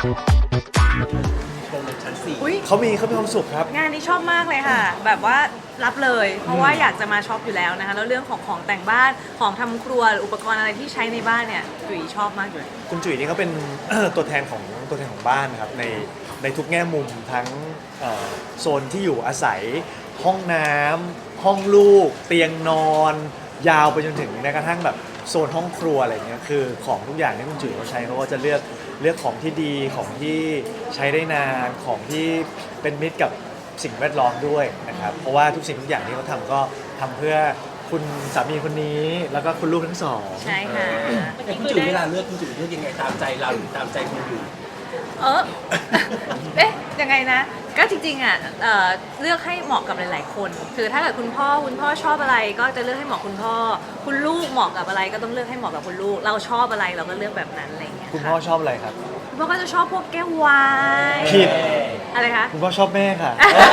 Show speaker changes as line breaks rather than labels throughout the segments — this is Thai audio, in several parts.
โปรโมทชั้น4
อุ๊ย
เขามีความสุขครับ
งานนี้ชอบมากเลยค่ะ แบบว่ารับเลย เพราะว่าอยากจะมาช็อปอยู่แล้วนะคะแล้วเรื่องของแต่งบ้านของทำครัวหรืออุปกรณ์อะไรที่ใช้ในบ้านเนี่ยจุ๋ยชอบมากเลย
คุณจุ๋ยนี่เขาเป็น ตัวแทนของบ้านนะครับในทุกแง่มุมทั้งโซนที่อยู่อาศัยห้องน้ำห้องลูก เตียงนอน ยาวไปจนถึงแม้กระทั่งแบบโซนห้องครัวอะไรเงี้ยคือของทุกอย่างที่คุณจุ๋ยเขาใช้เขาก็จะเลือกของที่ดีของที่ใช้ได้นานของที่เป็นมิตรกับสิ่งแวดล้อมด้วยนะครับเพราะว่าทุกสิ่งทุกอย่างที่เขาทำก็ทำเพื่อคุณสามีคนนี้แล้วก็คุณลูกทั้งสอง
ใช่ค่ะ
แต่คุณจุ๋ยเวลาเลือกคุณจุ๋ยเลือกยังไงตามใจเราหรือตามใจคุณอยู่
เออ เอ๊ะยังไงนะ ก็จริงๆอ่ะเลือกให้เหมาะกับหลายๆคน คือถ้าเกิดคุณพ่อชอบอะไรก็จะเลือกให้เหมาะคุณพ่อ คุณลูกเหมาะกับอะไรก็ต้องเลือกให้เหมาะกับคุณลูก เราชอบอะไรเราก็เลือกแบบนั้นอะไรอย่างเงี้ย
คุณพ่อชอบอะไรครับ
คุณพ่อก็จะชอบพวกแก้ววาย
ผิด
อะไรคะ
คุณพ่อชอบแม่ค่ะ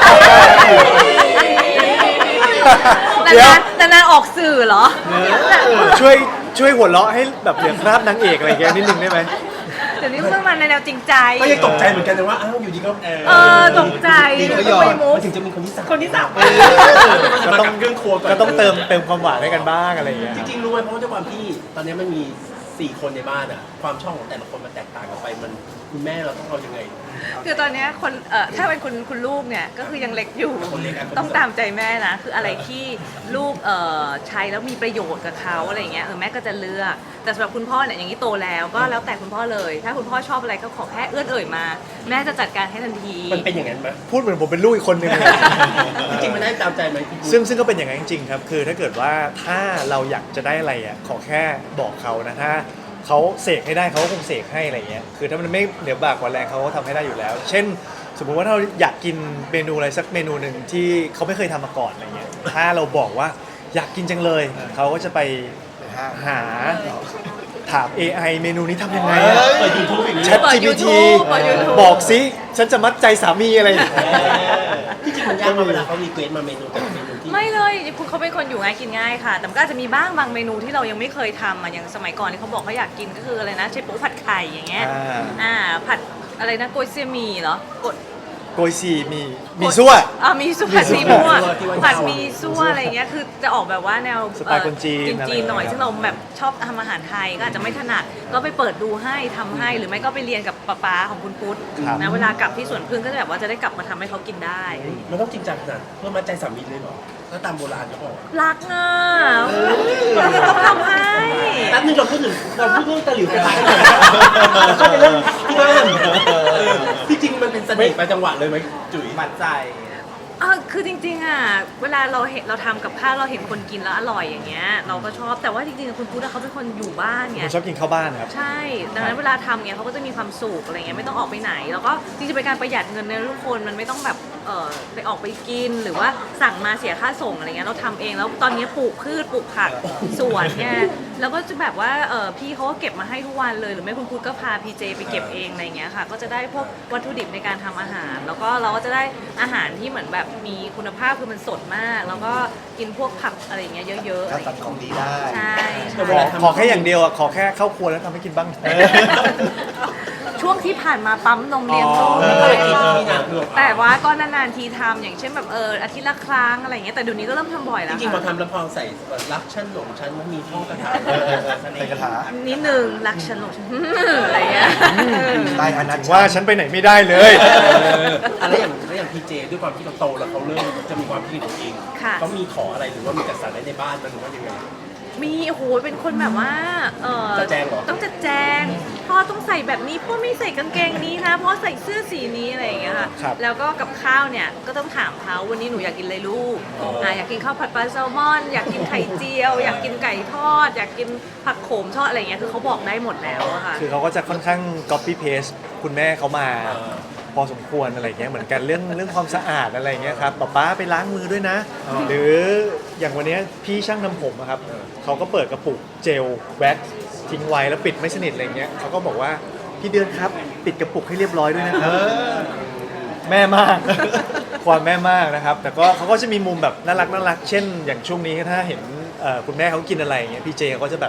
นานๆออกสื่อเหรอ
ช่วยหัวเราะให้แบบเหลือคราบนางเอกอะไรอย่างเงี้ยนิดนึงได้ไหม
เดี๋ยวนี้เพิ่งมาในแนวจริงใจ
ก็ยังตกใจเหมือนกันนะว่าอ้าวอยู่ดีก็
ตกใจ
ดีก็ยอมมันถึงจะมีคนที่สาม
คนที่สาม
ก็ต้องเครื่องครัวก่อน
ก็ต้องเติมความหวานให้กันบ้างอะไรอย่างเงี้ย
จริงๆรู้ไหมเพราะว่าด้วยความที่ตอนนี้มันมี4คนในบ้านอ่ะความชอบของแต่ละคนมันแตกต่างกันไปมันคุณแม่เราต้องเอายังไง
คือตอนเนี้ยคนถ้าเป็นคุณลูกเนี่ยก็คือยังเล็กอยู่
คนเล็กอะ
ต้องตามใจแม่นะคืออะไรที่ลูกใช้แล้วมีประโยชน์กับเขาอะไรอย่างเงี้ยแม่ก็จะเลือกแต่สำหรับคุณพ่อเนี่ยอย่างนี้โตแล้วก็แล้วแต่คุณพ่อเลย ถ้าคุณพ่อชอบอะไรก็ขอแค่เอื้อนเอ่ยมา แม่จะจัดการให้ทันที
มันเป็นอย่างนั้นไหม
พูดเหมือนผมเป็นลูกอีกคนนึงเลย
จริงๆมันได้ตามใจไหมพี่
ซึ่งก็เป็นอย่างนั้นจริงๆครับคือถ้าเกิดว่าถ้าเราอยากจะได้อะไรอ่ะขอแค่บอกเขานะถ้าเขาเสกให้ได้เขาก็คงเสกให้อะไรเงี้ยคือถ้ามันไม่เหนือบากกว่าแรงเขาก็ทำให้ได้อยู่แล้ว เช่น สมมุติว่าถ้าเราอยากกินเมนูอะไรสักเมนูหนึ่งที่เขาไม่เคยทำมาก่อนอะไรเงี้ยถ้าเราบอกว่าอยากกินจังเลยเขาก็จะไปหาถาม AI เมนูนี้ทำยังไงอะ
เปิดยูทูบอย่างนี้
Chat
เปิด
GPT
YouTube เปิด YouTube
บอกสิฉันจะมัดใจสามีอะไรอย่างเงี้ย
ที่จริงมันยากมาเวลาเขารีเควสมาเมนูแต่ละเมนูที่
ไม่เลยคุณเขาเป็นคนอยู่ง่ายกินง่ายค่ะ แต่มันก็อาจจะมีบ้างบางเมนูที่เรายังไม่เคยทำอย่างสมัยก่อนที่เขาบอกเขาอยากกินก็คืออะไรนะเชฟปูผัดไข่อย่างเงี้ยผัดอะไรนะโกยเซียหมี่เหรอกด
โกยซีมีซั่ว
มีสู้ผัดซีมั่วผัดมีซั่วอะไรเงี้ยคือจะออกแบบว่าแนว
สไตล์คนจีน
จีนๆหน่อย
อะไรอย่างเงี้ย
ซึ่งเราแบบชอบทำอาหารไทยก็อาจจะไม่ถนัดก็ไปเปิดดูให้ทำให้หรือไม่ก็ไปเรียนกับป๊าของคุณพุทธ
ครับ
นะเวลากลับที่สวนพึ่งก็จะแบบว่าจะได้กลับมาทำให้เขากินได้
มันต้องจริงจังขนาดเพื่อมัดใจสามีเลยเหรอถ้าตามโบราณเขาบอก
รักอ่ะเราก็ต้องทำให้
แป๊บนึงเราพูดเรื่องตะหลิวกระทะกันก่อนแล้วก็จะเรื่องที่บ้านที่จริงมันเป็นเสน่ห์ประจังหวะเลยไหมจุ๋ย
มัดใจ
คือจริงๆอ่ะเวลาเราทำกับข้าวเราเห็นคนกินแล้วอร่อยอย่างเงี้ยเราก็ชอบแต่ว่าจริงๆคุณพุทธเขาเป็นคนอยู่บ้านไง
ผมชอบกินข้าวบ้านครับ
ใช่ ดังนั้นเวลาทำเนี่ยเขาก็จะมีความสุขอะไรเงี้ยไม่ต้องออกไปไหน แล้วก็จริงๆเป็นการประหยัดเงินในทุกคนมันไม่ต้องแบบไปออกไปกินหรือว่าสั่งมาเสียค่าส่งอะไรเงี้ยเราทำเองแล้วตอนนี้ปลูกพืชปลูกผักสวนเนี่ยแล้วก็จะแบบว่าพี่เขาก็เก็บมาให้ทุกวันเลยหรือไม่คุณพุทธก็พาพีเจไปเก็บเองอะไรเงี้ยค่ะก็จะได้พวกวัตถุดิบในการทำอาหาร แล้วก็เราก็จะได้อาหารที่เหมือนแบบมีคุณภาพคือมันสดมาก แล้วก็กินพวกผักอะไรเงี้ยเยอะๆอะไร
ตัดของดีได้
ใช่
ขอแค่อย่างเดียวอ่ะขอแค่เข้าครัวแล้วทำให้กินบ้าง
ช่วงที่ผ่านมาปั๊มนมเลี้ยงลูก
ไม่เคยกินที่นะ
แต่ว่าก็นานๆทีทำอย่างเช่นแบบอาทิตย์ละครั้งอะไรอย่างเงี้ยแต่เดี๋ยวนี้ก็เริ่มทำบ่อย
จ
แล้ว
ริงๆพอ
ค่ะ
ทำแล้วพอใส่รักชั้นหลงชั้นมันมีท่อกระถาง
ใส่กระถา
นิดนึงรักฉันหลงฉัน อะไรเงี้ย
ได้อันนั้น
ว่าฉันไปไหนไม่ได้เลย
อะไรอย่างพีเจด้วยความที่เขาโตแล้วเขาเริ่มจะมีความคิดของตัวเอง
ค่ะ
เขามีขออะไรหรือว่ามีจัดสรรอะไรในบ้านมันหรือว่ายังไง
มีโอ้โหเป็นคนแบบว่า
จัดแจงเหรอ
ต้องจัดแจงพ่อต้องใส่แบบนี้พ่อไม่ใส่กางเกงนี้นะพ่อใส่เสื้อสีนี้อะไรอย่างเงี้ยค่ะ
ครับ
แล้วก็กับข้าวเนี่ยก็ต้องถามเขาวันนี้หนูอยากกินอะไรลูกอยากกินข้าวผัดปลาแซลมอน อยากกินไข่เจียว อยากกินไก่ทอด อยากกินผักโขมทอดอะไรอย่างเงี้ยคือเขาบอกได้หมดแล้วอะค่ะ
คือเขาก็จะค่อนข้าง copy paste คุณแม่เขามาพอสมควรอะไรเงี้ยเหมือนกันเรื่องความสะอาดอะไรเงี้ยครับป๊าไปล้างมือด้วยนะ หรืออย่างวันเนี้ยพี่ช่างทำผมอะครับเขาก็เปิดกระปุกเจลแว็กซ์ทิ้งไว้แล้วปิดไม่สนิทอะไรเงี้ยเขาก็บอกว่าพี่เดือนครับปิดกระปุกให้เรียบร้อยด้วยนะครับแม่มาก ความแม่มากนะครับแต่ก็เขาก็จะมีมุมแบบน่ารักเช่น อย่างช่วงนี้ถ้าเห็นคุณแม่เขากินอะไรเงี้ยพี่เจเขาก็จะแบบ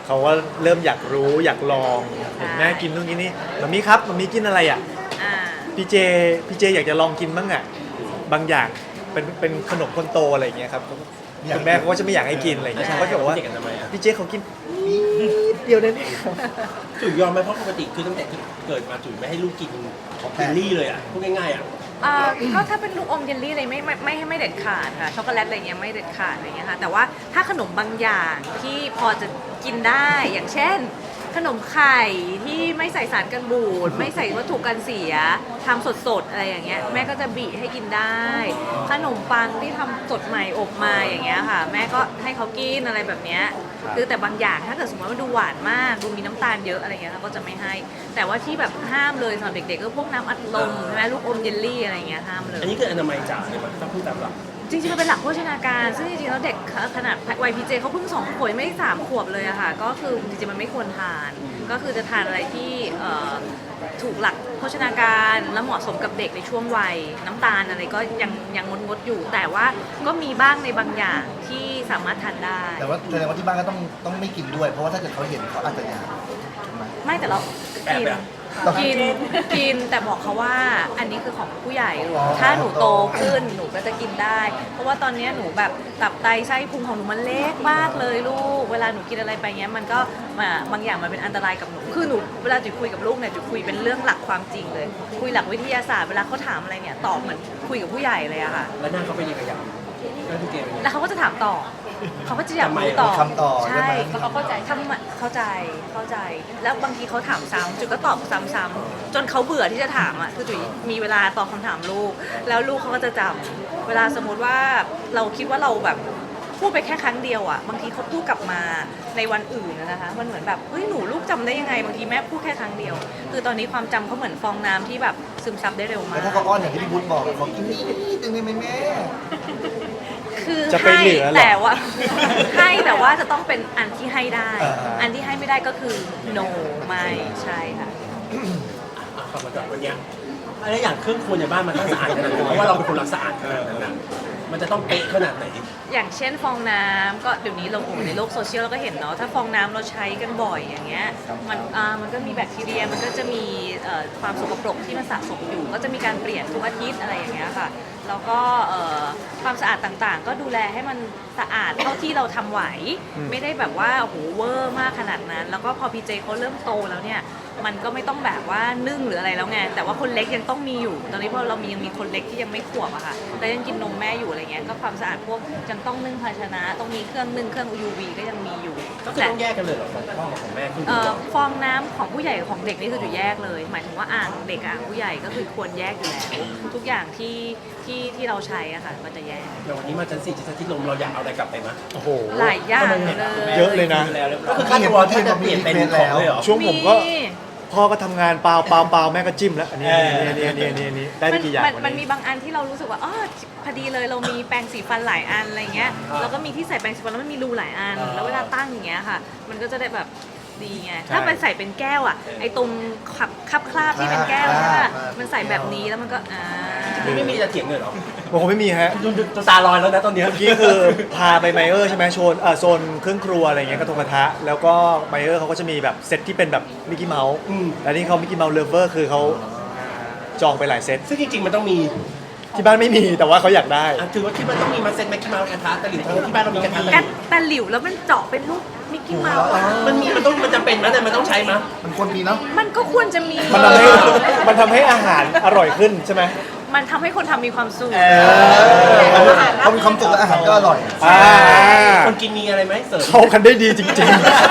เขาว่าเริ่มอยากรู้อยากลองเห็นแม่กินนู่นกินนี่มัมมี่ครับมัมมี่กินอะไรอ่ะ
อ่า
พี่เจอยากจะลองกินบ้างอ่ะบางอย่างเป็นขนมคนโตอะไรอย่างเงี้ยครับคุณแม่เขาก็จะไม่อยากให้กินอะไรอย่างเงี้ยเขาก็จะบอกว่า
เด็กกันทำไมอ่ะ
พี่เจเขากินนิดเดียวได้ไหมครับ
จุ๋ยยอมไหมเพราะปกติคือตั้งแต่ที่เกิดมาจุ๋ยไม่ให้ลูกกินเยลลี่เลยอ่ะพูดง่ายๆอ่ะ
ก็ถ้าเป็นลูกอมเยลลี่อะไรไม่เด็ดขาดค่ะช็อกโกแลตอะไรเงี้ยไม่เด็ดขาดอะไรเงี้ยค่ะแต่ว่าถ้าขนมบางอย่างที่พอจะกินได้อย่างเช่น ขนมไข่ที่ไม่ใส่สารกันบูดไม่ใส่วัตถุกันเสียทำสดๆอะไรอย่างเงี้ยแม่ก็จะบีให้กินได้ ขนมปังที่ทำสดใหม่อบมาอย่างเงี้ยค่ะ แม่ก็ให้เขากินอะไรแบบเนี้ยคือแต่บางอย่างถ้าเกิดสมมติว่าดูหวานมากดูมีน้ำตาลเยอะอะไรเงี้ยเราก็จะไม่ให้ แต่ว่าที่แบบห้ามเลยสำหรับเด็กๆก็พวกน้ำอัดลมใช่ไหมลูกอมเยลลี่อะไรเงี้ยห้ามเลย
อันนี้คืออนามัยจ๋าเลยมั้ยถ้าพูดตามหลัก
จริงๆมันเป็นหลักโภชนาการ ซึ่งจริงๆแล้วเด็กขนาดวัยพีเจเขาเพิ่ง2 ขวบไม่ได้3 ขวบเลยอะค่ะ ก็คือจริงๆมันไม่ควรทาน ก็คือจะทานอะไรที่ถูกหลักโภชนาการและเหมาะสมกับเด็กในช่วงวัยน้ำตาลอะไรก็ยังงดอยู่ แต่ว่าก็มีบ้างในบางอย่างที่สามารถทานได้
แต่ว่าแสดงว่าที่บ้านก็ต้องไม่กินด้วย เพราะว่าถ้าเกิดเขาเห็นเขาอาจจะอยากถูกไหม
ไม่แต่เรา
แอบ
กิน
ไปอะ
กินแต่บอกเขาว่าอันนี้คือของผู้ใหญ่ลูก
อ๋อ
ถ้าหนูโตขึ้นหนูก็จะกินได้ เพราะว่าตอนนี้หนูแบบตับไตไส้พุงของหนูมันเล็กมากเลยลูกเวลาหนูกินอะไรไปเงี้ยมันก็บางอย่างมันเป็นอันตรายกับหนูคือหนูเวลาจุ๋ยคุยกับลูกเนี่ยจุ๋ยคุยเป็นเรื่องหลักความจริงเลย คุยหลักวิทยาศาสตร์เวลาเขาถามอะไรเนี่ยตอบเหมือนคุยกับผู้ใหญ่เลยอะค่ะ
แล้วหน้าเขาเป็นยังไงอย่างแล้วพี่เจเป็นยังไง
แล้วเขาก็จะถามต่อ เขาก็จะอยากรู้ต่อ
คำต่อใช่
ใช่
ไหม
เพราะเขาเข้าใจเข้าใจ แล้วบางทีเขาถามซ้ำจุ๋ยก็ตอบซ้ำๆจนเขาเบื่อที่จะถามอ่ะ คือจุ๋ยมีเวลาตอบคำถามลูก แล้วลูกเขาก็จะจำเวลาสมมติว่าเราคิดว่าเราแบบพูดไปแค่ครั้งเดียวอ่ะ บางทีเขาพูดกลับมาในวันอื่นนะคะ มันเหมือนแบบ เฮ้ย หนูลูกจำได้ยังไง บางทีแม่พูดแค่ครั้งเดียว คือตอนนี้ความจำเขาเหมือนฟองน้ำที่แบบซึมซับได้เร็วมา
แล้ว
ก
ถ้าเขาอ้อนอย่างที่พี่พุทธบอกเขากินนิดนึงได้ไหมแม่
คือ
จะไป
ให้
เหลือเหรอ
แต่ว่า ให้แต่ว่าจะต้องเป็นอันที่ให้ได้
อ่า
อันที่ให้ไม่ได้ก็คือ no ไม่ใช่ค่ะ
อ่ะกลับมาจากวันเนี้ยอะไรอย่างเครื่องครัวในบ้านมันต้องสะอาดขนาดไหนเพราะว่าเราเป็นคนรักสะอาดขนาดนั้นนะมันจะต้องเป๊ะขนาดไหน
อย่างเช่นฟองน้ำก็เดี๋ยวนี้เราในโลกโซเชียลเราก็เห็นเนาะถ้าฟองน้ำเราใช้กันบ่อยอย่างเงี้ยมันก็มีแบคทีเรียมันก็จะมีความสกปรกที่มันสะสมอยู่ ก็จะมีการเปลี่ยนทุกอาทิตย์อะไรอย่างเงี้ยค่ะแล้วก็ความสะอาดต่างๆ ก็ดูแลให้มันสะอาดเท่าที่เราทำไหว ไม่ได้แบบว่าโอ้โหเวอร์มากขนาดนั้น แล้วก็พอพีเจเขาเริ่มโตแล้วเนี่ยมันก็ไม่ต้องแบบว่านึ่งหรืออะไรแล้วไงแต่ว่าคนเล็กยังต้องมีอยู่ ตอนนี้พอเรายังมีคนเล็กที่ยังไม่ขวบอะค่ะแล้วยังกินนมแม่อยู่อะไรเงี้ยก็ความสะอาดพวกยังต้องนึ่งภาชนะต้องมีเครื่องนึ่งเครื่อง UV ก็ยังมีอยู่
ก็คือต้องแยกกันเลยเหรอของพ่อกับของแม่คือ
ฟองน้ำของผู้ใหญ่กับของเด็กนี่คือจะแยกเลย หมายถึงว่าอ่างเด็กกับอ่างผู้ใหญ่ก็คือควรแยกอยู่แล้วทุกอย่างที่เราใช้อะค่ะก็จะแยก
อย่างวันนี้มาชั้น4ชั้นที่ลมเราอยากเอาอะไรกลับไปมั้ย
โอ้โห
หลายอย่างเลย
เยอะเลยนะ
ก็คือค่าตัวที่จะเปลี่ยนเป็นของเลยเหรอ
ช่วงผมก็พ่อก็ทำงานเปล่าแม่ก็จิ้มแล้วอันนี้ได้ไปกี่อย่าง
มันมีบางอันที่เรารู้สึกว่าอ๋อพอดีเลยเรามีแปรงสีฟันหลายอันอะไรเงี้ยแล้วก็มีที่ใส่แปรงสีฟันแล้วมันมีรูหลายอัน แล้วเวลาตั้งอย่างเงี้ยค่ะ มันก็จะได้แบบดีไงถ้าไปใส่เป็นแก้วอ่ะไอ้ตรงคราบที่เป็นแก้วใช่ปะมันใส่แบบนี้แล้วมันก็
นี่ไม่มีจะเถียงเลยเหรอ
ผมคงไม่มีฮะ
ดูตาลอยแล้วนะตอนเนี้ย
เมื่อกี้คือพาไปไมเออร์ใช่ไหมโซนเครื่องครัวอะไรเงี้ยกระทงกระทะแล้วก็ไมเออร์เขาก็จะมีแบบเซตที่เป็นแบบมิกกี้เมาส์แล้วนี่เขามิกกี้เมาส์เลฟเวอร์คือเขาจองไปหลายเซต
ซึ่งจริงๆมันต้องมี
ที่บ้านไม่มีแต่ว่าเขาอยากได้
ถือว่าที่มันต้องมีมาเซ็ตแม็กกี้เมาส์กระทะตะหลิวที่บ้านเรามีกระทะตะหลิว
แต่หลิวแล้วมันเจาะเป็นรูปมิกกี้เมาส์อะ
มันจำเป็นมั้ยแต่มันต้องใช้มั้ย
มันควรมีเนาะ
มันก็ควรจะมี
มันทำให้อาหารอร่อยขึ้นใช่ไหม
มันทำให้คนทำมีความสุข
เขามีความสุขและอาหารก็อร่อย
คนกินมีอะไรไหมเสริม
เข้ากันได้ดีจริง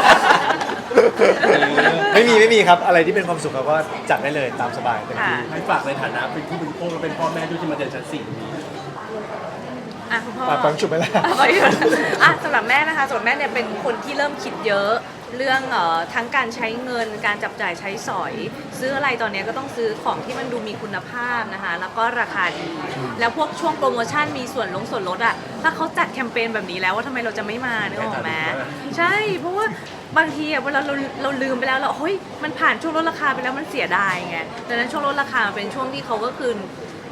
ๆ ไม่มีครับอะไรที่เป็นความสุขเราก็จัดได้เลยตามสบายเต็มที่
ให้ฝากในฐานะเป็นผู้บริโภคและเป็นพ่อแม่ด้วยที่มาเดินชั้น4นี้
อ่ะคุณพ่อ
ฟังฉุบไปแล้ว
สำหรับแม่นะคะส่วนแม่เนี่ยเป็นคนที่เริ่มคิดเยอะเรื่องทั้งการใช้เงินการจับจ่ายใช้สอย ซื้ออะไรตอนนี้ก็ต้องซื้อของที่มันดูมีคุณภาพนะคะแล้วก็ราคาดี แล้วพวกช่วงโปรโมชั่นมีส่วนลดอ่ะถ้าเขาจัดแคมเปญแบบนี้แล้วว่าทำไมเราจะไม่มานึกออกไหมใช่เพราะว่าบางทีอะเวลาเราลืมไปแล้วเราเฮ้ยมันผ่านช่วงลดราคาไปแล้วมันเสียดายไงดังนั้นช่วงลดราคาเป็นช่วงที่เขาก็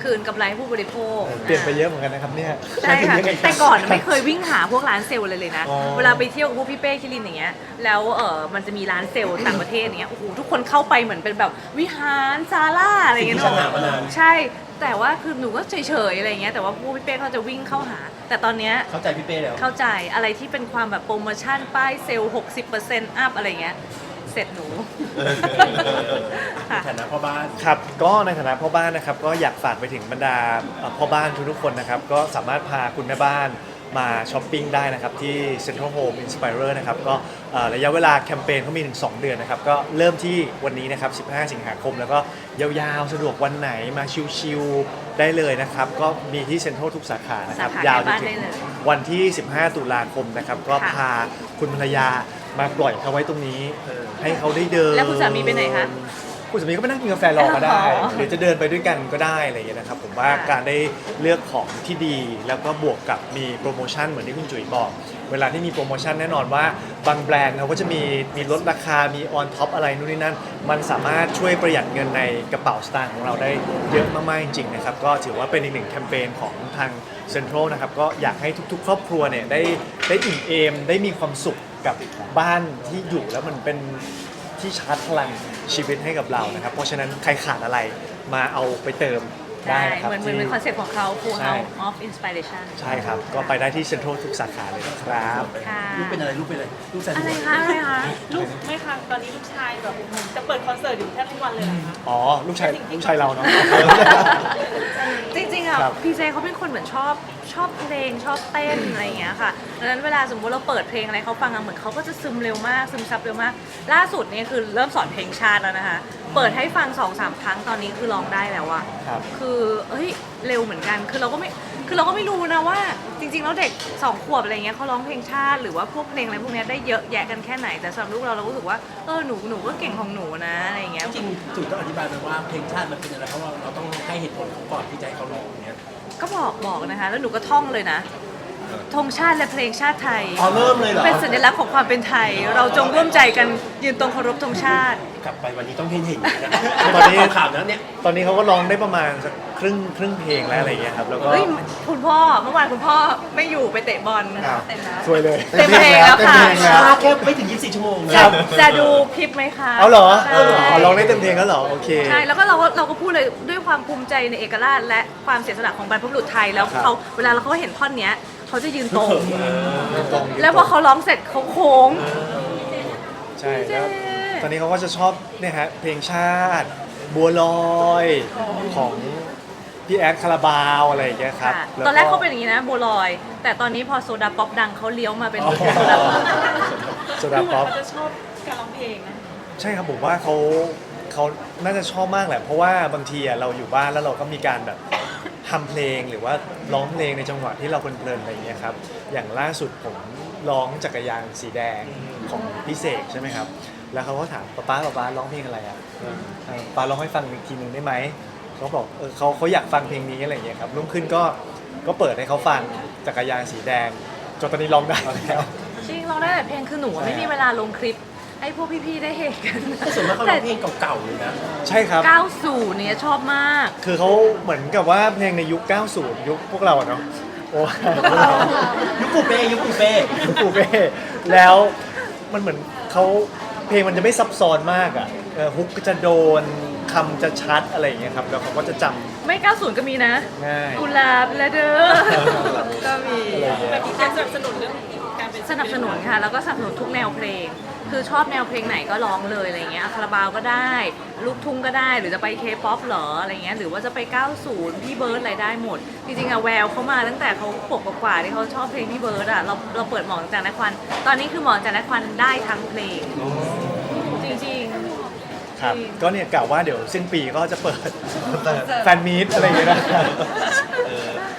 คืนกำไรให้ผู้บริโภค
เปลี่ยนไปเยอะเหมือนกันนะครับเนี่ย
ใช่ค่ะ แต่ก่อนไม่เคยวิ่งหาพวกร้านเซลล์เลยนะ
อ๋อ
เวลาไปเที่ยวกับพวกพี่เป้คิรินอย่างเงี้ยแล้วมันจะมีร้านเซลล์ต่างประเทศอย่างเงี้ยโอ้โหทุกคนเข้าไปเหมือนเป็นแบบวิหารซาร่าอะไรอย่างเงี้ย
สิ่งที่ฉันหามานาน
ใช่ แต่ว่าคือหนูก็เฉยๆอะไรอย่างเงี้ยแต่ว่าพวกพี่เป้เขาจะวิ่งเข้าหา แต่ตอนเนี้ย
เข้าใจพี่เป้แล้ว
เข้าใจอะไรที่เป็นความแบบโปรโมชั่นป้ายเซลล์ 60% อัพอะไรเงี้ยเสร็จหนู
ในฐานะพ่อบ้าน
ครับก็ในฐานะพ่อบ้านนะครับก็อยากฝากไปถึงบรรดาพ่อบ้านทุกๆคนนะครับก็สามารถพาคุณแม่บ้านมาช้อปปิ้งได้นะครับที่ Central Home Inspirer นะครับก็ระยะเวลาแคมเปญเขามีถึง2 เดือนนะครับก็เริ่มที่วันนี้นะครับ15 สิงหาคมแล้วก็ยาวๆสะดวกวันไหนมาชิลๆได้เลยนะครับก็มีที่เซ็นทรัลทุกสาขานะครับ
สาขาย
าวจน
บ้าน
ถึ
ได้
ง
เลย
วันที่ 15 ตุลาคมนะครับก็
ค่ะ
พาคุณภรรยามาปล่อยเขาไว้ตรงนี้ให้เขาได้เดิน
แล้วคุณสามีไปไหนคะ
คุณสามีก็ไปนั่งกินกาแฟรอก็ได้
อ๋อ
หรือจะเดินไปด้วยกันก็ได้อะไรอย่างเงี้ยนะครับผมว่า
ค่ะ
การได้เลือกของที่ดี แล้วก็บวกกับมีโปรโมชั่นเหมือนที่คุณจุ๋ยบอก เวลาที่มีโปรโมชั่นแน่นอนว่าบางแบรนด์เขาก็จะมีลดราคา มีออนท็อปอะไรนู่นนี่นั่น มันสามารถช่วยประหยัดเงินในกระเป๋าสตางค์ของเราได้เยอะมากๆจริงๆนะครับก็ถือว่าเป็นอีกหนึ่งแคมเปญของทางเซ็นทรัลนะครับก็อยากให้ทุกๆ ครอบครัวเนี่ยได้อิ่มเอมได้มีความสุขกับบ้านที่อยู่แล้วมันเป็น ที่ชาร์จพลังชีวิตให้กับเรานะครับ เพราะฉะนั้นใครขาดอะไรมาเอาไปเติมได้
ได้
นะครับ
เหมือน
ที่
คอนเซ็ปต์ของเขา Full
ใช่
House of Inspiration
ใช่ครับ ก็ไปได้ที่เซ็นทรัลทุกสาขาเลยนะครับ
ค่ะ
ลูกเป็นอะไรลูกเป็นอะไรลูกแซน
อะไร
ด์วิช
คะอะไรคะ
ลูกไม่ค่ะตอนนี้ลูกชายแบบเหมือนจะเปิดคอนเสิร์ตอยู่แทบทุกวันเลยเหรอคะ
อ๋อ ลูกชายเราเนาะ
จริงๆอ่ะ
ครับ
พีเจเขาเป็นคนเหมือนชอบเพลงชอบเต้นอะไรอย่างเงี้ยค่ะดังนั้นเวลาสมมติเราเปิดเพลงอะไรเขาฟังอะเหมือนเขาก็จะซึมเร็วมากซึมซับเร็วมาก ล่าสุดเนี่ยคือเริ่มสอนเพลงชาติแล้วนะคะ เปิดให้ฟัง 2-3 ครั้งตอนนี้คือร้องได้แล้วอะ
ครับ
คือเฮ้ยเร็วเหมือนกันคือเราก็ไม่รู้นะว่าจริงๆแล้วเด็ก2 ขวบอะไรเงี้ยเขาร้องเพลงชาติหรือว่าพวกเพลงอะไรพวกเนี้ยได้เยอะแยะกันแค่ไหนแต่สำหรับลูกเรารู้สึกว่าหนูก็เก่งของหนูนะอะไรอย่างเงี้ย
จริงๆจุ๋ยต้องอธิบายไปว่าเพลงชาติมันเป็นอะไรเพราะว่าเราต้องให้เหตุผลเขาก่อนที่จะให้เขาร้องอย่างเงี้ย
ก็บอกนะคะ แล้วหนูก็ท่องเลยนะธงชาติและเพลงชาติไทย
อ๋อเริ่มเลยเหรอ
เป็นสัญลักษณ์ของความเป็นไทย เราจงร่วมใจกันยืนตรงเคารพธงชาติ
กลับไปวันนี้ต้องเห็นนะ
ตอนนี้
ข่าวๆนะเนี่ย
ตอนนี้เขาก็ร้องได้ประมาณสักครึ่งเพลงแล้วอะไรอย่างเงี้ยครับ แล้วก็
เฮ้ยคุณพ่อเมื่อวานคุณพ่อไม่อยู่ไปเตะบอล
อ้าว
เต็มแล้ว
สวยเลย
เต็มเพลงแล้วค่ะ
เต็มเพลงแล้ว
ช้าแค่ไม่ถึง 24 ชั่วโมงนะ
จะดูคลิปไหมคะ
เอาเหรอ
ใช่
อ๋อร้องได้เต็มเพลงแล้วเหรอ โอเค
ใช่แล้วก็เราก็พูดเลยด้วยความภูมิใจในเอกราชและความเสียสละของบรรพบุรุษไทยแล้ว
ครับ
เขาเวลาเขาเห็นท่อนเนี้ยเขาจะยืนตรง
ตรง
แล้วพอเขาร้องเสร็จเขาโค้ง
ใช่
เจ๊
แล้วตอนนี้เขาก็จะชอบเนี่ยฮะเพลงชาติ บัวลอยของพี่แอดคาราบาวอะไรอย่างเงี้ยครับ
ค่ะ
ล้ว
ตอนแรกเขาเป็นอย่างนี้นะบัวลอย แต่ตอนนี้พอโซดาป๊อปดังเขาเลี้ยวมาเป็นโซดาป๊อป
โซ
ดู
ดา
เหมือน
ป๊อป
เขาจะชอบการร้องเพลงนะ
ใช่ครับผมว่าเขาน่าจะชอบมากแหละ เพราะว่าบางทีอะเราอยู่บ้านแล้วเราก็มีการแบบทำเพลงหรือว่าร้องเพลงในจังหวะที่เราเพลินๆอะไรอย่างเงี้ยครับอย่างล่าสุดผมร้องจักรยานสีแดงของพี่เสกใช่ไหมครับแล้วเขาก็ถามป๊าร้องเพลงอะไรอ่ะป๊าร้องให้ฟังอีกทีหนึ่งได้ไหมเขาบอกเขาอยากฟังเพลงนี้อะไรอย่างเงี้ยครับรุ่งขึ้นก็เปิดให้เขาฟังจักรยานสีแดงจนตอนนี้ร้องได้แล้ว
จริงร้องได้แต่เพลงคือหนูอะไม่มีเวลาลงคลิป ให้พวกพี่ๆได้เห็นกัน
แต่ส่วนมากเขาร้องเพลงเก่าๆเลยนะ
ใช่ครับ
90เนี่ยชอบมาก
คือเขาเหมือนกับว่าเพลงในยุค 90 ยุคพวกเราอะเนาะโอ้
ยุคปูเป้ยุคปูเป้
ปูเป้แล้วมันเหมือนเขาเพลงมันจะไม่ซับซ้อนมากอ่ะฮุกก็จะโดนคำจะชัดอะไรอย่างเงี้ยครับแล้วเขาก็จะจ
ไม่ 90 ก็มีนะ
ำง่าย
กุหลาบและเด้อ ก็มี
แบบมีการสนับสนุนเรื่องการเป็น
สนับสนุนค่ะ แล้วก็สนับสนุนทุกแนวเพลง คือชอบแนวเพลงไหนก็ร้องเลยอะไรเงี้ยคาราบาวก็ได้ ลูกทุ่งก็ได้ หรือจะไปเคป๊อปเหรออะไรเงี้ย หรือว่าจะไป 90 พี่เบิร์ดอะไรได้หมด จริงๆอะแววเขามาตั้งแต่เขาขวบกว่าๆที่เขาชอบเพลงพี่เบิร์ดอะเราเปิดหมอนจากนักควัน ตอนนี้คือหมอนจากนักควันได้ทั้งเพลง จริงๆ
ครับ
จริง
ก็เนี่ยกล่าวว่าเดี๋ยวสิ้นปีก็จะเปิดแฟนมีตอะไรอย่างเงี้ยนะ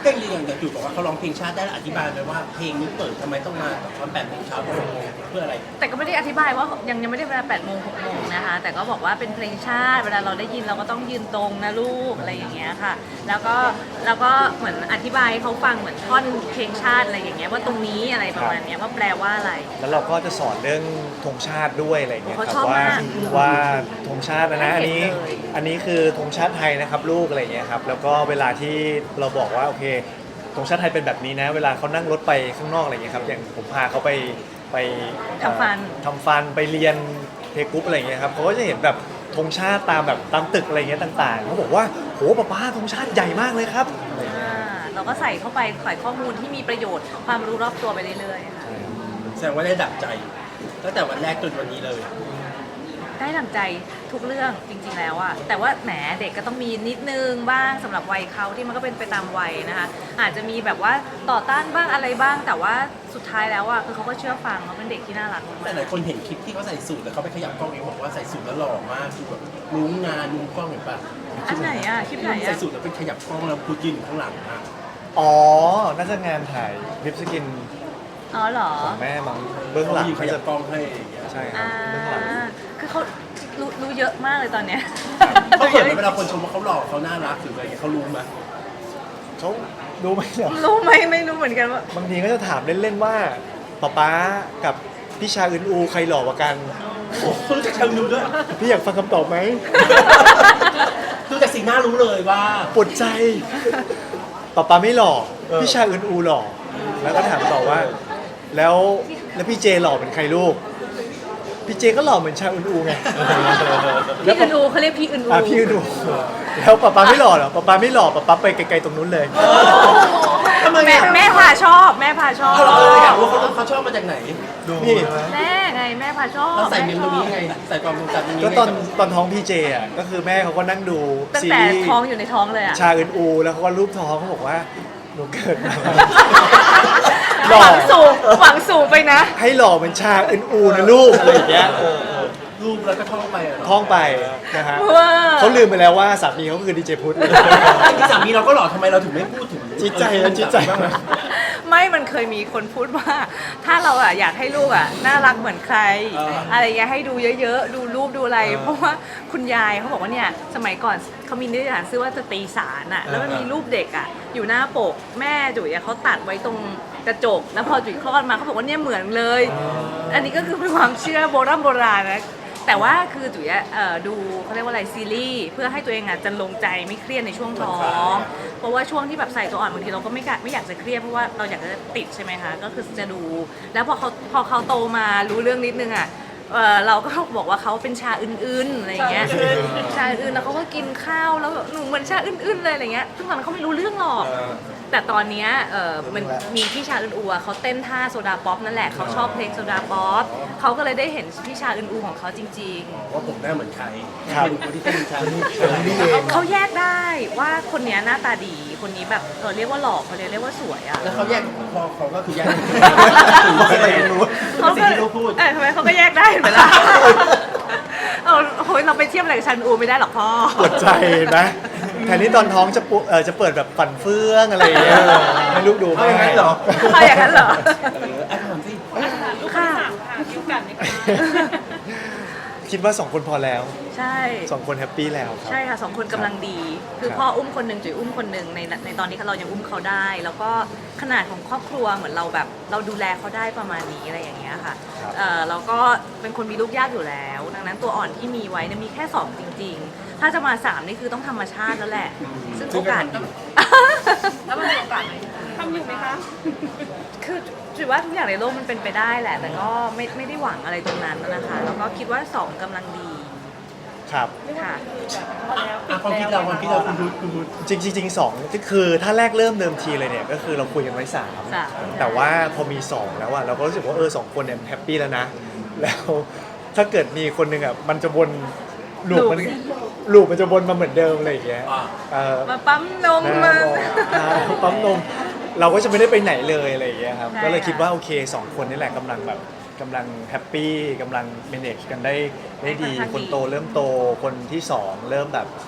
ก็จริงๆอย่างจุ๋ยบอกว่าเขาร้องเพลงชาติได้แล้วอธิบายไปว่าเพลงนี้เปิดทำไมต้องมาตอน8 โมงเช้าเพื่ออะไร
แต่ก็ไม่ได้อธิบายว่ายังไม่ได้เวลา8 โมง 6 โมงนะคะแต่ก็บอกว่าเป็นเพลงชาติเวลาเราได้ยินเราก็ต้องยืนตรงนะลูกอะไรอย่างเงี้ยค่ะแล้วก็เหมือนอธิบายให้เขาฟังเหมือนท่อนเพลงชาติอะไรอย่างเงี้ยว่าตรงนี้อะไรประมาณเนี้ยว่าแปลว่าอะไร
แล้วเราก็จะสอนเรื่องธงชาติด้วยอะไรอย่างเงี้ยค
เขา
รับ
ชอบ
ว่าม
าก
ว่าธงชาตินะ
ให้
อัน
เห็น
นี้
เลย
อันนี้คือธงชาติไทยนะครับลูกอะไรอย่างเงี้ยครับแล้วก็เวลาที่เราบอกว่าโอเคธงชาติไทยเป็นแบบนี้นะ เวลาเขานั่งรถไปข้างนอกอะไรอย่างเงี้ยครับอย่างผมพาเขาไป
ทำฟัน
ทำฟันไปเรียนเทกรุ๊ปอะไรอย่างเงี้ยครับเขาก็จะเห็นแบบธงชาติตามแบบตามตึกอะไรอย่างเงี้ยต่างๆเขาบอกว่าโหป้าธงชาติใหญ่มากเลยครับอะไรอย่างเงี้ย
เราก็ใส่เข้าไปใส่ข้อมูลที่มีประโยชน์ความรู้รอบตัวไปเรื่อยๆค่ะ
แสดงว่าได้ดับใจตั้งแต่วันแรกจนวันนี้เลย
ได้ดั่งใจทุกเรื่องจริงๆแล้วอะแต่ว่าแหมเด็กก็ต้องมีนิดนึงบ้างสำหรับวัยเขาที่มันก็เป็นไปตามวัยนะคะอาจจะมีแบบว่าต่อต้านบ้างอะไรบ้าง แต่ว่าสุดท้ายแล้วอะคือเขาก็เชื่อฟังเขาเป็นเด็กที่น่ารัก
แต่หลายคนเห็นคลิปที่เขาใส่สูทแต่เขาไปขยับกล้องเองบอกว่าใส่สูทแล้วหล่อมากคือแบบรู้งานรู้กล้องเห็นปะ
อันไหนอะคลิปไหน
ใส่
อะ
สูทแล้วเป็นขยับกล้องแล้วพูดยืนอยู่ข้างหลังอะ
อ๋อน่าจะงานถ่ายลิปสกิน
อ๋อเหรอ
ของแม่มั้งเบื้องหลัง
ยืนข
เขา
ยั
จะ
บกล้องให้อย่างเงี้ย
ใช่ครั
อ่า
บเบื้องหลัง
คือเขารู้เยอะมากเลยตอนเนี้ย
เขาเขินไหมเวลาคนชมว่าเขาหล่อเขาน่ารักหรืออะไรเงี้ยเขารู้ไหม
เขาดูไหมเหรอ
รู้ไหมไม่รู้เหมือนกันว่า
บางทีก็จะถามเล่นๆว่าป๊ากับพี่ชาอึนอูใครหล่อกว่ากัน
โอ้เขารู้จักชาวนูด้วย
พี่อยากฟังคำตอบไหม
ดูจากสีหน้ารู้เลยว่า
ปวดใจป๊าไม่หล่อพี่ชาอึนอูหล่อแล้วก็ถามต่อว่า แล้วพี่เจหล่อเป็นใครลูกพี่เจก็หล่อเหมือนชาอึนอูไง
พี่อึนอูเขาเรียกพี่อึนอู
พี่อึนอูแล้วป๊าไม่หล่อเหรอป๊าไม่หล่อป๊าไปไกลๆตรงนู้นเลย
ทำไม
แม่พาชอบแม่พาชอบ
เอาเราอยากรู้เขาชอบมาจากไหน
นี่
แม่ไงแม่พาชอบ
เราใส่เมมตรงนี้
แชอบ
ไงใส่ความทรงจำตรงนี้
ก็
ไง
ตอนท้องพี่เจอ่ะก็คือแม่เขาก็นั่งดู
ตั้ง
ซี
แต่
รีส์
ท้องอยู่ในท้องเลยอะ
ชาอึนอูแล้วเขาก็รูปท้องเขาบอกว่าหนูเกิดมา ห
ห
ล่อ
วังสูงไปนะ
ให้หล่อเหมือนชาอึนอูนะลูกอะไรอย่างเงี้ย
รูปแล้วก็ท่องไปอะเนาะ
ท่องไปนะฮะ
ว้า
เขาลืมไปแล้วว่าสามีเขาคือดีเจพุทธ
จริงๆสามีเราก็หล่อทำไมเราถึงไม่พูดถึง
จิตใจนะจิตใจ
บ้างอะ
ไม่มันเคยมีคนพูดว่า ถ้าเราอะอยากให้ลูกอะน่ารักเหมือนใคร อะไรอย่างเงี้ยให้ดูเยอะๆ ดูรูปดูอะไร เพราะว่าคุณยายเขาบอกว่าเนี่ยสมัยก่อนเขามีนิตยสารชื่อว่าสตรีสารอะแล้วมันมีรูปเด็กอะอยู่หน้าปกแม่จุ๋ยอะเขาตัดไว้ตรงกระจก แล้วพอจุ๋ยคลอดมาเขาบอกว่าเนี่ยเหมือนเลย อันนี้ก็คือเป็นความเชื่อโบราณนะ แต่ว่าคือจุ๋ยอะดูเขาเรียกว่าอะไรซีรีส์เพื่อให้ตัวเองอะจะลงใจไม่เครียดในช่วงท้อง เพราะว่าช่วงที่แบบใส่ตัวอ่อนบางทีเราก็ไม่อยากจะเครียดเพราะว่าเราอยากจะติดใช่ไหมคะก็คือจะดู แล้วพอเขาโตมารู้เรื่องนิดนึงอะเราก็บอกว่าเขาเป็นชาอื่นๆอะไรอย่างเงี้ยชาอื่นแล้วเขาก็กินข้าวแล้วแบบหนูเหมือนชาอื่นๆเลยอะไรเงี้ยซึ่งตอนนั้นเขาไม่รู้เรื่องหรอก แต่ตอนเนี้ยมันมีพี่ชาอึนอูอะเขาเต้นท่าโซดาป๊อปนั่นแหละเขาชอบเพลงโซดาป๊อปเขาก็เลยได้เห็นพี่ชาอึนอูของเขาจริง
ว่าผมหน้าเหมือนใคร
ครับ
เป็นคนที่เป็นชา
นี่เอง
ๆเขาแยกได้ว่าคนเนี้ยหน้าตาดีคนนี้แบบเรียกว่าหล่อเขาเรียกว่าสวยอะ
แล้วเขาแยกพอเขาก็คือแยก
อะไรไม่รู้
เขา
สิ่งที่เขาพูด
ทำไมเขาก็แยกได้เห็นไหมล่ะโอ้ยเราไปเทียบอะไรกับชันอูไม่ได้หรอกพ่อ
ปวดใจนะแทนที่ตอนท้องจะเปิดแบบฝันเฟื่องอะไรอย่างเงี้ยให้ลูกดู
เอาอย่างนั้นเหรอ
เอาอย่างนั้นเหรอ
ถามสิ
ลูกคนที่สามค่ะคิวกันนี่ค่ะ
คิดว่า 2 คนพอแล้ว
ใช่
2 คนแฮปปี้แล้วครับ
ใช่ค่ะ2 คนกำลังดี คือ
ครับ
พ่ออุ้มคนหนึ่งจุ๋ยอุ้มคนหนึ่งในตอนนี้เรายังอุ้มเขาได้ แล้วก็ขนาดของครอบครัวเหมือนเราแบบเราดูแลเขาได้ประมาณนี้อะไรอย่างเงี้ยค่ะเราก็เป็นคนมีลูกยากอยู่แล้ว ดังนั้นตัวอ่อนที่มีไว้เนี่ยมีแค่2จริง ๆ ถ้าจะมา3นี่คือต้องธรรมชาติแล้วแหละ ซึ่งโอกาส
แล้วมันมีโอกาสไหมทำอยู่ไหมคะ
คือจุ๋ยว่าทุกอย่างในโลกมันเป็นไปได้แหละ แต่ก็ไม่ได้หวังอะไรตรงนั้นนะคะ แล้วก็คิดว่า2กำลังดี
ครับ
ค่ะ
ความคิดเราคุณพูด
จริงๆ2ก็คือถ้าแรกเริ่มเดิมทีเลยเนี่ยก็คือเราคุยกันไว้
สาม
3แต่ว่าพอมี 2 แล้วอะเราก็รู้สึกว่า2 คนเนี่ยแฮปปี้แล้วนะ แล้วถ้าเกิดมีคนหนึ่งอะมันจะวนลูปมันจะวนมาเหมือนเดิมอะไรอย่างเงี้ย
มาปั๊มนม
นะ
มา
ปั๊มนมเราก็จะไม่ได้ไปไหนเลยอะไรอย่างเงี้ยครับ
ใช่
ก็เลยคิด
ค่ะ
ว่าโอเค2 คนนี่แหละกำลังแฮปปี้กำลัง manage กันได้ดี คนโตเริ่มโตคนที่2เริ่มแบบ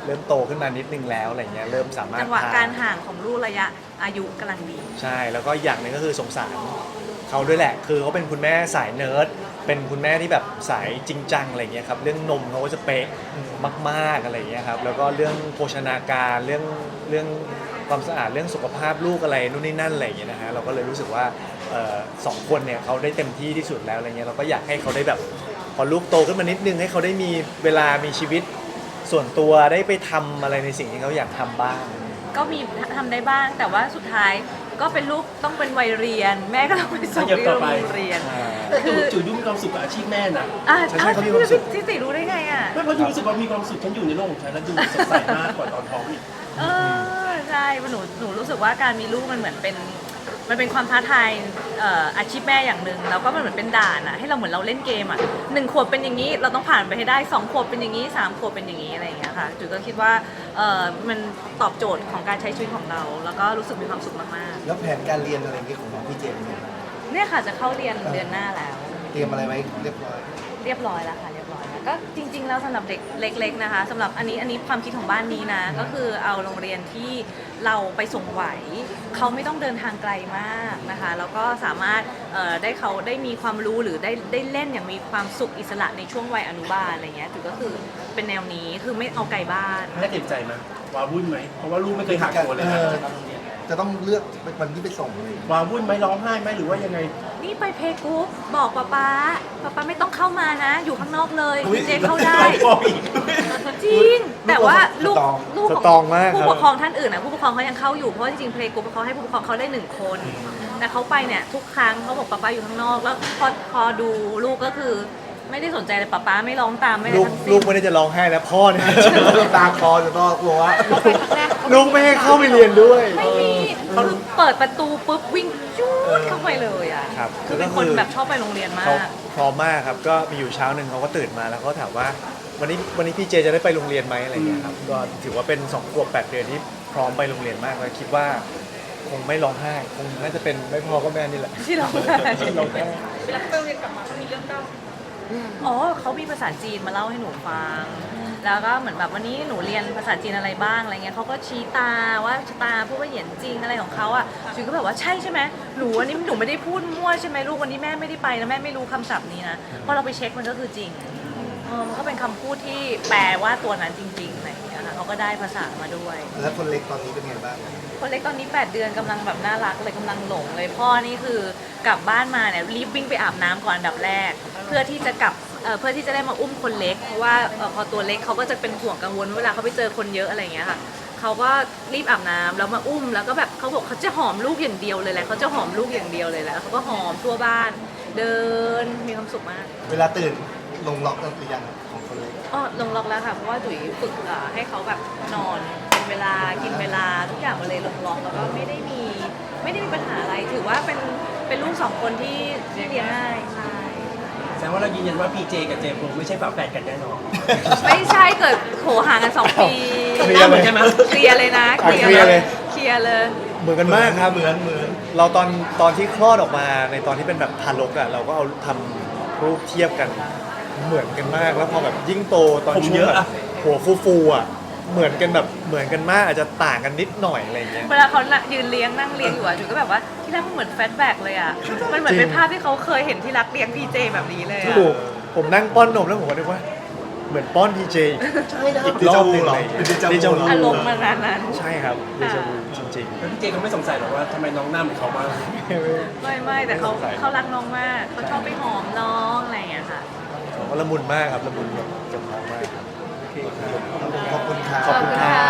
เริ่มโตขึ้นมานิดนึงแล้วอะไรเงี้ยเริ่มสามารถ
จังหวะ
พ
การห่างของลูกระยะอายุกำลังดี
ใช่แล้วก็อย่างหนึ่งก็คือสงสารเขาด้วยแหละ คือเขาเป็นคุณแม่สายเนิร์ดเป็นคุณแม่ที่แบบสายจริงจังอะไรเงี้ยครับเรื่องนมเขาก็จะเป๊ะมากๆอะไรเงี้ยครับแล้วก็เรื่องโภชนาการเรื่องความสะอาดเรื่องสุขภาพลูกอะไรนู่นนี่นั่นอะไรอย่างเงี้ยนะฮะเราก็เลยรู้สึกว่าสองคนเนี่ยเขาได้เต็มที่ที่สุดแล้วอะไรเงี้ยเราก็อยากให้เขาได้แบบพอลูกโตขึ้นมานิดนึงให้เขาได้มีเวลามีชีวิตส่วนตัวได้ไปทำอะไรในสิ่งที่เขาอยากทำบ้าง
ก็มีทำได้บ้าง แต่ว่าสุดท้ายก็เป็นลูกต้องเป็นวัยเรียน แม่ก็ต้องไปส่งที่โรงเรียน
แต่จุ๋ยดูมีความสุขกับอาชีพแม่นะ
ใช่เขามีความสุข
ที่ติรู้ได้ไงอ่ะ
ไม่เพราะจุ๋ยรู้สึกว่ามีความสุขฉันอยู่ในโลกของฉันแล้วดูสดใสมากกว่าตอนท้องอีก
ใช่เพราะหนูรู้สึกว่าการมีลูกมันเหมือนเป็นความท้าทายอาชีพแม่อย่างหนึ่งแล้วก็มันเหมือนเป็นด่านอะให้เราเหมือนเราเล่นเกมอะ1 ขวบเป็นอย่างนี้เราต้องผ่านไปให้ได้2 ขวบเป็นอย่างนี้3 ขวบเป็นอย่างนี้อะไรอย่างเงี้ยค่ะจุ๋ยก็คิดว่ามันตอบโจทย์ของการใช้ชีวิตของเรา แล้วก็รู้สึกมีความสุขมาก
แล้วแผนการเรียนอะไรอย่างเงี้ยของน้องพี่เจมส์เนี่ย
ๆเนี่ยค่ะจะเข้าเรียนเดือนหน้าแล้ว
เตรียมอะไรไว้เรียบร้อย
เรียบร้อยแล้วค่ะเรียบร้อยแล้วก็จริงๆแล้วสำหรับเด็กเล็กๆนะคะสำหรับอันนี้ความคิดของบ้านนี้นะก็คือเอาโรงเรียนที่เราไปส่งไหวเขาไม่ต้องเดินทางไกลมากนะคะแล้วก็สามารถได้เขาได้มีความรู้หรือได้เล่นอย่างมีความสุขอิสระในช่วงวัยอนุบาลอะไรเงี้ยจุดก็คือเป็นแนวนี้คือไม่เอาไกลบ้าน
แม่เต็มใจไหมวาวุ่นไหมเพราะว่าลูกไม่เคยหักตัวเลยนะ
จะต้องเลือกวันที่ไปส่งเลย
วาวุ่นไหมร้องไห้ไหมหรือว่ายังไง
นี่ไปเพย์กรุ๊ปบอกป๊าไม่ต้องเข้ามานะ อยู่ข้างนอกเลยพี่เจเข้าได้ จริง แต่ว่าลูก
สตรองมากครับ
ผู้ปกครองท่านอื่นนะผู้ปกครองเขายังเข้าอยู่เพราะว่าจริงๆเพลย์กรุ๊ปเขาให้ผู้ปกครองเขาได้1 คน แต่เขาไปเนี่ยทุกครั้งเขาบอกป๊าอยู่ข้างนอกแล้วพอดูลูกก็คือไม่ได้สนใจเลยป๊าไม่ร้องตามไม่ได้
ลูก
ทั้ง
ลู
สิ้
ก
น
ไม่ได้จะร้องไห้แล้วพ่อเนี่ย
ตาคอจะต้องกลัวว่า
ลูกไม่ให้เข้าไปเรียนด้วย
ไม่มีคือเปิดประตูปุ๊บวิ่งจู๊ดเข้าไปเลยอ่ะ
ครับ
คือเป็นคนแบบชอบไปโรงเรียนมา
เขา
ก
พร้อมมากครับก็มีอยู่เช้าหนึ่งเขาก็ตื่นมาแล้วเขาถามว่าวันนี้พี่เจจะได้ไปโรงเรียนไหมอะไรเงี้ยครับก็ถือว่าเป็น2 ขวบ 8 เดือนที่พร้อมไปโรงเรียนมากแล้วคิดว่าคงไม่ร้องไห้คงน่าจะเป็นไม่พอก็แม่นี่แหละ
ที่เราได้
ที่ร้องไห้
เวลาไปโรงเรียนกลับมาเขามีเรื่องเล่า
อ๋อเขามีภาษาจีนมาเล่าให้หนูฟัง แล้วก็เหมือนแบบวันนี้หนูเรียนภาษาจีนอะไรบ้างอะไรเงี้ยเขาก็ชี้ตาว่าตาพูดว่าเหยียนจริงอะไรของเขาอ่ะจุ๋ยก็แบบว่าใช่ไหมหนูวันนี้หนูไม่ได้พูดมั่วใช่ไหมลูกวันนี้แม่ไม่ได้ไปนะแม่ไม่รู้คำศัพท์นี้นะพอเราไปเช็คมันก็คือจริงมันก็เป็นคำพูดที่แปลว่าตัวนั้นจริงๆอะไรอย่างเงี้ยค่ะเขาก็ได้ภาษามาด้วย
แล้วคนเล็กตอนนี้เป็นไงบ้าง
คนเล็กตอนนี้8 เดือนกำลังแบบน่ารักเลยกำลังหลงเลยพ่อนี่คือกลับบ้านมาเนี่ยรีบวิ่งไปอาบน้ำก่อนอันดับแรก เพื่อที่จะได้มาอุ้มคนเล็กเพราะว่าพอตัวเล็กเขาก็จะเป็นห่วงกังวลเวลาเขาไปเจอคนเยอะอะไรอย่างเงี้ยค่ะเขาก็รีบอาบน้ำแล้วมาอุ้มแล้วก็แบบเขาบอกเขาจะหอมลูกอย่างเดียวเลยแหละเขาจะหอมลูกอย่างเดียวเลยแหละเขาก็หอมทั่วบ้าน เดินมีความสุขมาก
เวลาตื่นลงล็อกกันหรือยังของคนเล็ก
อ๋อลงล็อกแล้วค่ะเพราะว่าจุ๋ยฝึกให้เขาแบบนอนเป็นเวลากินเวลาทุกอย่างมันเลยลงล็อกแล้วก็ไม่ได้มีปัญหาอะไรถือว่าเป็นลูก2 คนที่เลี้ยงง่ายใช่
แสดงว่าเรายืนยันว่าพีเจกับเจมส์ไม่ใช่ฝาแฝดกันแน่นอน
ไม่ใช่เกิดโหห่างกัน2 ปี
เคลียร์เลย
ใช่ไหม
เคลียร์เลยนะ
เคลียร์เลย
เคลียร์เลย
เหมือนกันมากครับ
เหมือน
เราตอนที่คลอดออกมาในตอนที่เป็นแบบทารกอ่ะเราก็เอาทำรูปเทียบกันเหมือนกันมากแล้วพอแบบยิ่งโตตอน
ผม
ช่ว
เย
ง
อะ
แบ
อะ
บหัวฟูๆอ่ะเหมือนกันแบบเหมือนกันมากอาจจะต่างกันนิดหน่อยอะไรอย่างเงี้ย
เวลาเขายืนเลี้ยงนั่งเลี้ยงอยู่อะจุ๋ยก็แบบว่าที่รักมันเหมือนแฟลชแบ็กเลยอะมันเหมือนเป็นภาพที่เขาเคยเห็นที่รักเลี้ยงพีเจแบบนี้เลยอะ
ถูกผมนั่งป้อนนมแล้วผมก็นึกว่าเหมือนป้อนพีเจ
ใช่นะ
อีกรอบหนึงเลย
เดจาวู
เดจาวู
อารมณ์มันนั้น
ใช่ครับเดจาวูจริง
แล้วพี่เจเขาไม่สงสัยหรอกว่าทำไมน้องหน้าเหมือนเขาบ้าง
ๆ
ไม่แต่เขารักน้องมากเขาชอบไปหอมน้องอะไรอย่างเงี้ยค่ะ
เขาก็ละมุนมากครับละมุนกับน้องมากครับ
ขอบคุณครับ
ขอบคุณครับ